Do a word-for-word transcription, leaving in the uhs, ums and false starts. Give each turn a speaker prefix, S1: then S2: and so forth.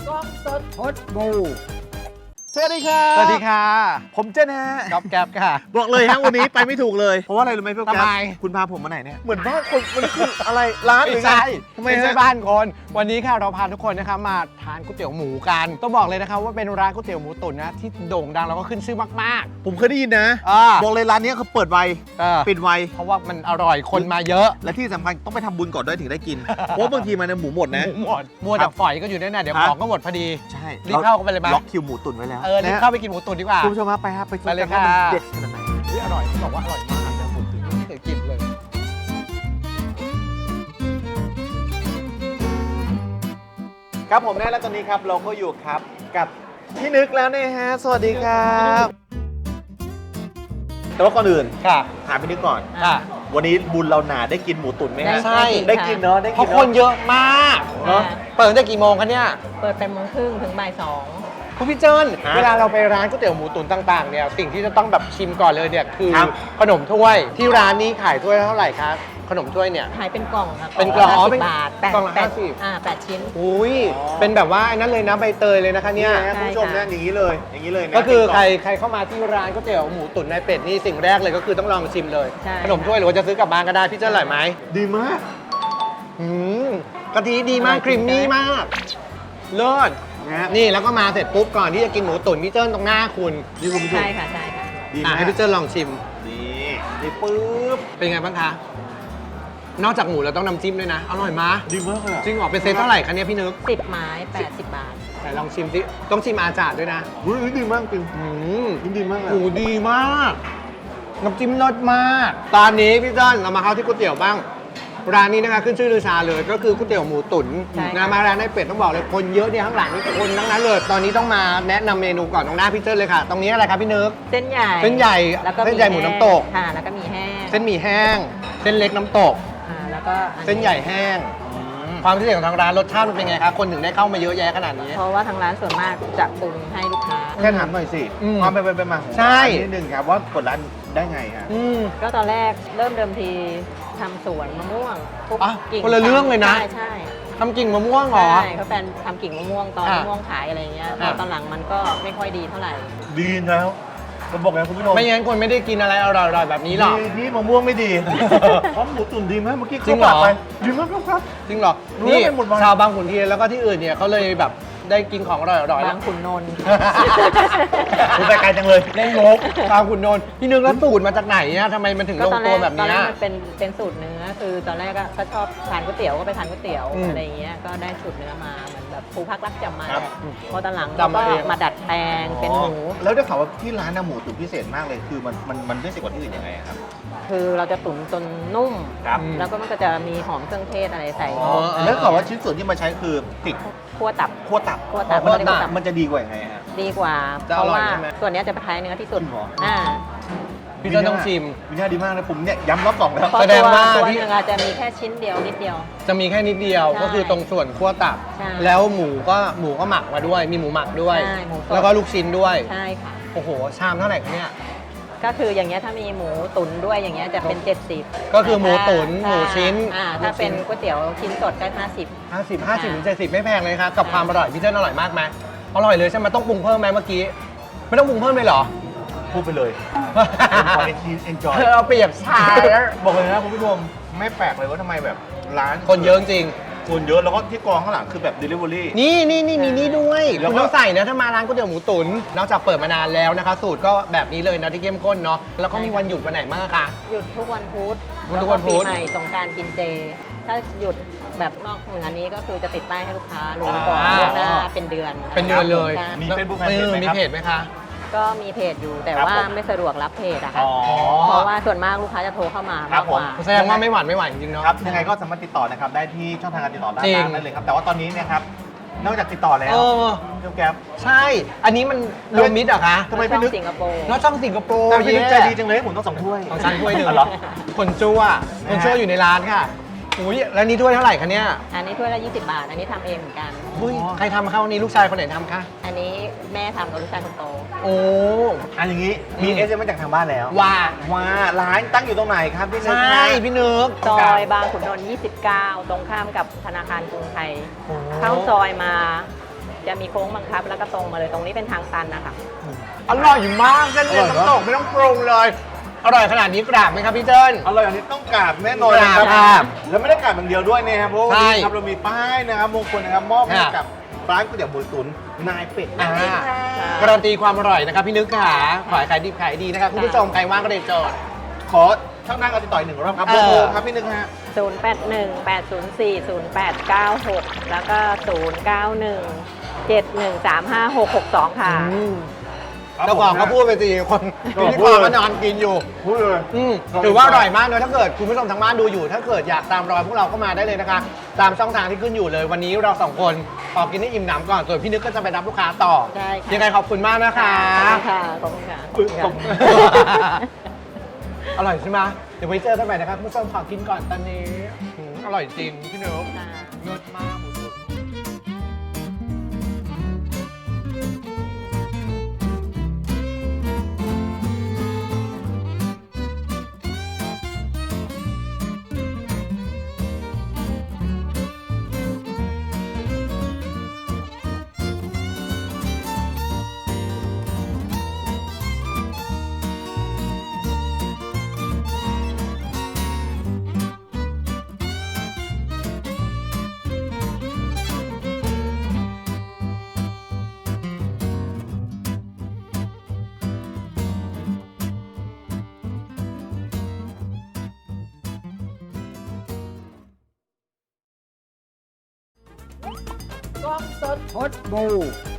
S1: กล้องสดพดบู
S2: สวัสดีค่ะ
S1: สวัสดีค่ะ
S2: ผมเจนฮะ
S1: ก๊อฟแก๊บค่ะ
S2: บอกเลยฮะวันนี้ไปไม่ถูกเลยเพราะว่าอะไรรู้ไหมพี่แก๊บ
S1: ทำไม
S2: คุณพาผมมาไหนเนี่ยเหมือนบ้านคนมันคืออะไรร้านหรือไง
S1: ไม่ใช่
S2: ทำไม
S1: ไม่ใช่
S2: ฮะ
S1: บ้านคน วันนี้ค่ะเราพาทุกคนนะคะมาทานก๋วยเตี๋ยวหมูกันต้องบอกเลยนะคะว่าเป็นร้านก๋วยเตี๋ยวหมูตุ๋นนะที่โด่งดังแล้วก็ขึ้นชื่อมาก
S2: ผมเคยได้ยินนะ
S1: ๆอ่า
S2: บอกเลยร้านนี้เขาเปิดไว
S1: เออ
S2: ปิดไว
S1: เพราะว่ามันอร่อยคนมาเยอะ
S2: และที่สำคัญต้องไปทำบุญก่อนด้วยถึงได้กิน เพราะบางทีมันเนี่ยหมูหมดนะ
S1: หมูหมดมัวแต่ฝอยก็อยู่แน่ๆเดี๋ยว
S2: ครับ
S1: ของก็หมดพอดี
S2: ใช่
S1: รีบเข้ากันไปเลยไหม
S2: ล็อกคิวหมูตุ๋นไว้แล้ว
S1: เออรีบ
S2: นะ
S1: เข้าไปกินหมูตุ๋นดีกว่า
S2: คุณผู้ชมครับไปครับไปชม
S1: ไปเลย
S2: กันว่า
S1: ค่ะ
S2: มันเด็ดขนาดไหน
S1: เฮ้ยอร่อยบอกว่าอร่อยมากนะผมถึงไม่เคยกินเลย
S2: ครับผมแน่แล้วตอนนี้ครับเราก็อยู่ครับกับพี่นึกแล้วเนี่ยฮะสวัสดีครับแต่ว่าก่อนอื่น
S1: ค่ะ
S2: ถามพี่นึกก่อน
S1: ค่ะ
S2: วันนี้บุญเราหนาได้กินหมูตุ๋นไหมฮะ
S1: ใช่
S2: ได้กินเนาะได้
S1: เพ
S2: กิน
S1: ราะ
S2: เนาะ
S1: คนเยอะมาก
S2: เนอะ
S1: เปิดตั้งแต่กี่โมงคะเนี่ย
S3: เปิดแปดโมงครึ่งถึงบ่ายสอง
S1: คุณพี่เจิ้น
S2: ฮะ
S1: เวลาเราไปร้านก๋วยเตี๋ยวหมูตุ๋นต่างๆเนี่ยสิ่งที่จะต้องแบบชิมก่อนเลยเนี่ยคือ
S2: ครับ
S1: ขนมถ้วยที่ร้านนี้ขายถ้วยเท่าไหร่ครับขนมถ้วยเนี่ย
S3: ขายเป็นกล่องครับ
S1: เป็นกล่องอ๋อ
S3: ห้า
S1: เป็
S3: สิ
S1: น
S3: บบาทแปด
S1: กล่องละ
S3: แปด
S1: ห้าสิบ
S3: อ่าแปดชิ้น
S1: อุ้ยเป็นแบบว่าไอ้นั้นเลยนะใบเตยเลยนะคะเนี่ย
S2: ฮะคุณผู้ชมนะอย่างนี้เลยอย่างนี้เลยนะ
S1: ก็คือ
S2: เป็น
S1: ใคร
S2: ล่ง
S1: ใครเข้ามาที่ร้านก๋วยเตี๋ยวหมูตุ๋นนายเป็ดนี่สิ่งแรกเลยก็คือต้องลองชิมเลย
S3: ใช่
S1: ขนมถ้วยหรือว่าจะซื้อกลับบ้านก็ได้พี่เจิ้นอร่อยไหม
S2: ดีมาก
S1: อืมกะทิดีมากครีมมี่มากเลิศ
S2: นะฮะ
S1: นี่แล้วก็มาเสร็จปุ๊บก่อนที่จะกินหมูตุ๋นพี่เจิ้นตรงหน้าคุณ
S2: นี่คุณผู้ชม
S3: ใช่ค่ะใช่ค่ะ
S2: ดี
S1: อ่ะ
S2: มาก
S1: ให้พี่เจิ้นลองชิม
S2: นี่นี่ปึ๊บ
S1: เป็นไงบ้างคะ นอกจากหมูเราต้องน้ำจิ้มด้วยนะ อร่อยมาก
S2: ดีมากเลยอะ
S1: จริงเหรอเป็นเซตเท่าไหร่คะเนี่ยพี่นึก
S3: สิบไม้แปดสิบบาท
S1: แต่ลองชิมสิต้องชิมอาจารย์ด้วยนะ
S2: อุ้ยดีมากจริง
S1: อืม
S2: ดีมากเลย
S1: โอ้ดีมากน้ำจิ้มรสมาก ตอนนี้พี่เจิ้นเรามาเข้าที่ก๋วยเตี๋ยวบ้าง ร้านนี้นะคะขึ้นชื่อลือชาเลยก็คือก๋วยเตี๋ยวหมูตุ๋น
S3: ใช่ค่ะ
S1: นะมาร้านนายเป็ดต้องบอกเลยคนเยอะเนี่ยข้างหลังนี่คนทั้งนั้นเลย ตอนนี้ต้องมาแนะนำเมนูก่อนตรงหน้าพี่เจิ้นเลยค่ะ ตรงนี้อะไรครับพี่นึก
S3: เส้นใหญ่
S1: เส้นใหญ่
S3: แล้วก็
S1: เส้นใหญ่หมูน้ำตก
S3: ค่ะ แล้วก็มีแห้ง
S1: เส้นหมี่แห้ง เส้นเล็กน้ำตก
S3: อ่าแล้วก็อั
S1: เส้นใหญ่แห้ง ความพิเศษของทางร้านรสชาติมันเป็นไงครับคนถึงได้เข้ามาเยอะแยะขนาดนี้
S3: เพราะว่าทางร้านส่วนมากจะปรุงให้ลูกค้า
S2: แค่ถามหน่อยสิ
S1: อืม
S2: ความเป็นไปเป็นมาของ
S1: ใช่
S2: ร้านนิดนึงครับว่าเปิดร้านได้ไงฮะ
S1: อืม
S3: ก็ตอนแรกเริ่มเดิมทีทำสวนมะม่วงทุก
S1: อ่ะ
S3: กิ่ง
S1: คนละเรื่องเลยนะ
S3: ใช่ใช่
S1: ทำกิ่งมะม่วงเหรอ
S3: ใช่เขาแฟนทำกิ่งมะม่วงตอน
S1: อ่ะ
S3: มะม่วงขายอะไรเงี้ย
S1: อ่ะ
S3: ตอนหลังมันก็ไม่ค่อยดีเท่าไหร่
S2: ดีแล้วผมบอกไงคุณผู้ชม
S1: ไม่งั้นคนไม่ได้กินอะไรอร่อยๆแบบนี้หรอก
S2: ดีที่มะม่วงไม่ดี เพราะหมูตุ๋นดีมากเมื่อกี้
S1: จริงเหรอ
S2: ข้าวปากไปดีมากครับ
S1: จริงเหรอ
S2: รู้
S1: นี่
S2: ไปหมดวัน
S1: ชาวบางขุนเทียนแล้วก็ที่อื่นเนี่ยเขาเลยแบบได้กินของอร่อยๆแล้
S3: บาว งขุนนนท์
S2: คุณไปไกลจังเลย
S1: เล่นงกบางขุนนนท์พี่นึกแล้วสูตรมาจากไหนเนี่ยทำไมมันถึง
S3: ก็
S1: ลง
S3: ตอนแร
S1: ตัว
S3: ก
S1: แบบ
S3: ตอน
S1: เนี้
S3: แร
S1: ย
S3: กมันเป็นเป็นสูตรเนื้อคือตอนแรกก็เขาชอบทานก๋วยเตี๋ยวก็ไปทานก๋วยเตี๋ยว
S1: อืม
S3: อะไรอย่างเงี้ยก็ได้สูตรเนื้อมาเหมือนแบบครูพักรักจำมา
S2: ครับ
S3: พอตอนหลัง
S1: จำมา
S3: ก็
S1: เอง
S3: มาดัดแปลงเป็นหมู
S2: แล้วได้ข่าวว่าที่ร้านน่ะหมูตุ๋นพิเศษมากเลย คือมันมันมันพิเศษกว่าที่อื่นยังไงอะครับ
S3: คือเราจะตุ๋นจนนุ่ม
S2: ครับ
S3: แล้วก็มันก็จะมีหอมเครื่องเทศอะไรใส่
S1: อ๋อ
S2: แล้วข่าวว่าชิ้นส่วนที่มาใช้คือติด
S3: คั่วตับ
S2: ขั้วตับ
S3: คั่วตับ
S2: คั่ว
S3: คั่วตั
S2: ตับบ มันจะดีกว่ายังไงฮะ
S3: ดีกว่า
S1: จะ
S3: เพ
S1: อ
S3: ราะ
S1: ร่อย
S3: ว่า
S1: ใช่ไหม
S3: ส่วนเนี้ยจะเป็นท้ายเนื้อที่สุด
S2: จริงเหรอ
S3: อ่า
S1: พี่ก็ต้องชิม
S2: วินาดีมากเลยผมเนี่ยย้ำรอบสองแล้ว
S3: เพราะ
S1: แสดง
S3: ตัว
S1: ว่า
S3: ตัว
S1: ที่
S3: หนึงอาจจะมีแค่ชิ้นเดียวนิดเดียว
S1: จะมีแค่นิดเดียว
S3: ใช่
S1: ก็คือตรงส่วนคั่วตับ
S3: ใช่
S1: แล้วหมูก็หมูก็หมักมาด้วย มีหมูหมักด้วย
S3: ใช่หมูสด
S1: แล้วก็ลูกชิ้นด้วย
S3: ใช่ค่ะ
S1: โอ้โห ชามเท่าไหร่คะเนี่ย
S3: ก็คืออย่างเงี้ยถ้ามีหมูตุ๋นด้วยอย่างเงี้ยจะเป็น เจ็ดสิบ
S1: ก็คือหมูตุ๋น
S3: ถ้า
S1: หมูชิ้น
S3: อ่า
S1: หมู
S3: ถ้าเป็น
S1: ชิ้น
S3: ก๋วยเตี๋ยวชิ้นสดก็ห้าสิบ
S1: ห้าสิบ ห้าสิบถึงเจ็ดสิบไม่แพงเลยครับกับความอร่อยพี่เจิ้นอร่อยมากไหมอร่อยเลยใช่ไหมต้องปรุงเพิ่มไหมเมื่อกี้ ไม่ต้องปรุงเพิ่มเลยเหรอ
S2: พูดไปเลยขอเอ็นจอย
S1: เราเปรียบชาแล้ว
S2: บอกเลยนะคุณผู้ชมไม่แปลกเลยว่าทำไมแบบร้าน
S1: คนเยอะจริง
S2: คนเยอะแล้วก็ที่กองข้างหลังคือแบบ delivery
S1: นี่นี่นี่มีนี่ด้วย
S2: แล้วก็
S1: คุณต้องใส่นะถ้ามาร้านก๋วยเตี๋ยวหมูตุ๋นนอกจากเปิดมานานแล้วนะคะ สูตรก็แบบนี้เลยนะที่เข้มข้นเนาะแล้วก็มีวันหยุดวันไหนบ้างอะคะ
S3: หยุดทุกวันพุธ
S1: หยุดทุกวันพุธ
S3: แล้ปีใหม่สงกรานต์กินเจ ถ้าหยุดแบบนอกเหนือนี้ก็คือจะติดป้ายให้ลูกค้ารู้ก่อนล่วงหน้าเป็นเดือน
S1: เป็นเดือนเลย
S2: มี
S1: แล้ว
S2: Facebook
S1: เออ
S2: Fanpage ไหม
S1: มี
S2: ครับ
S1: เพจไหมคะ
S3: ก็มีเพจอยู่แต่
S2: ครับ
S3: ว่า
S2: ผม
S3: ไม่สะดวกรับเพจอะค่ะ
S2: อ๋อ
S3: เพราะว่าส่วนมากลูกค้าจะโทรเข้ามา
S2: ครั
S3: มา
S2: บ
S3: กกว่า
S2: ผม
S1: แสดงว่าไม่หวานไม่ไหวจริงๆเนาะ
S2: ครับยังไงก็สามารถติดต่อนะครับได้ที่ช่องทางการติดต่อด้าน
S1: จริง
S2: ล่างนั่นเลยครับแต่ว่าตอนนี้เนี่ยครับนอกจากติดต่อแล้ว
S1: เออ
S2: เจ้าแก๊ป
S1: ใช่ อันนี้มันรวมมิตรเหรอคะ
S2: ทำไมพี่นึก
S3: สิงคโปร์
S1: เนาะช่องสิงคโปร์
S2: แต่พี่นึกใจ
S1: เย้
S2: ดีจังเลยให้ผมต้องสองถ้วย
S1: ของฉันถ้วยหนึ่ง
S2: อ๋อเหรอ
S1: คนชั่วคนชั่วอยู่ในร้านค่ะอุ้ยแล้วนี่ถ้วยเท่าไหร่คะเนี่ย
S3: อันนี้ถ้วยละยี่สิบบาท อันนี้ทำเองเหมือนกัน
S1: อุ้ยใครทำคะวันนี้ลูกชายคนไหนทำคะ
S3: อันนี้แม่ทำกับลูกชายคนโต
S1: โอ้
S2: อันอย่างนี้มี
S1: อืม
S2: เอสเอ็มมาจากทางบ้านแล้ว
S1: ว่า
S2: ว่าร้านตั้งอยู่ตรงไหนครับพี่นึก
S1: ใช่พี่นึก
S3: ซอยบางขุนนนท์ยี่สิบเก้า ตรงข้ามกับธนาคารกรุงไทย เข้าซอยมาจะมีโค้งบังคับ แล้วก็ตรงมาเลยตรงนี้เป็นทางตันนะคะ
S1: อร่อยมากเส้นเล็กน้ำตกไม่ต้องปรุงเลย อร่อยขนาดนี้กราบไหมครับพี่เจิ้น
S2: อร่อยอันนี้ต้องกราบแน่นอนนะค
S1: กรา
S2: รั
S1: บบ ครับ
S2: แล้วไม่ได้กราบอย่างเดียวด้วยนะครับเพราะว่าวัน
S1: ใช่
S2: นี้ครับเรามีป้ายนะครับมงคลนะครับมอบให้
S1: ค่ะ
S2: กับร้านก๋วยเตี๋ยวหมูตุ๋นนายเป็ดนั่นเองครับ
S1: การันตีความอร่อยนะครับพี่นึกค่ะขอให้ขายดีขายดีนะครับคุณผู้ชมใครว่างก็เด็ดจอด
S2: ขอช่างนั่งกันติดต่ออีกหนึ่งรอบครับ
S1: เอ
S2: โบ
S1: อ
S2: โบครับพี่นึกฮะ
S3: ศูนย์ แปด หนึ่ง แปด ศูนย์ สี่ ศูนย์ แปด เก้า หก แล้วก็ ศูนย์ เก้า หนึ่ง เจ็ด หนึ่ง สาม ห้า หก หก สอง ค่ะ
S1: อืม
S2: ครับ
S1: เจ้าของ
S2: ผม
S1: ก็พูดไปสิคน
S2: ครับ
S1: พิธีกรก็นอนกินอยู่
S2: พูดเลย
S1: อืม
S2: ครับ
S1: ถือว่าอร่อยมากเลยถ้าเกิดคุณผู้ชมทางบ้านดูอยู่ ถ้าเกิดอยากตามรอยพวกเราก็มาได้เลยนะคะ ตามช่องทางที่ขึ้นอยู่เลย วันนี้เราสองคนขอกินให้อิ่มหนำก่อนส่วนพี่นึกก็จะไปรับลูกค้าต่อ
S3: ได้ค่ะ
S1: ยังไงขอบคุณมากนะคะ
S3: ค่ะ ขอบคุณค่ะ
S2: อุ๊ยขอบคุณ
S1: อร่อยใช่ไหมเดี๋ยวไว้เจอกันใหม่นะครับคุณผู้ชมขอกินก่อนตอนนี้อืมอร่อยจริงพี่นึก
S3: ค่ะ
S1: เลิศมากหมูตุ๋น
S4: กล้องสดพดบู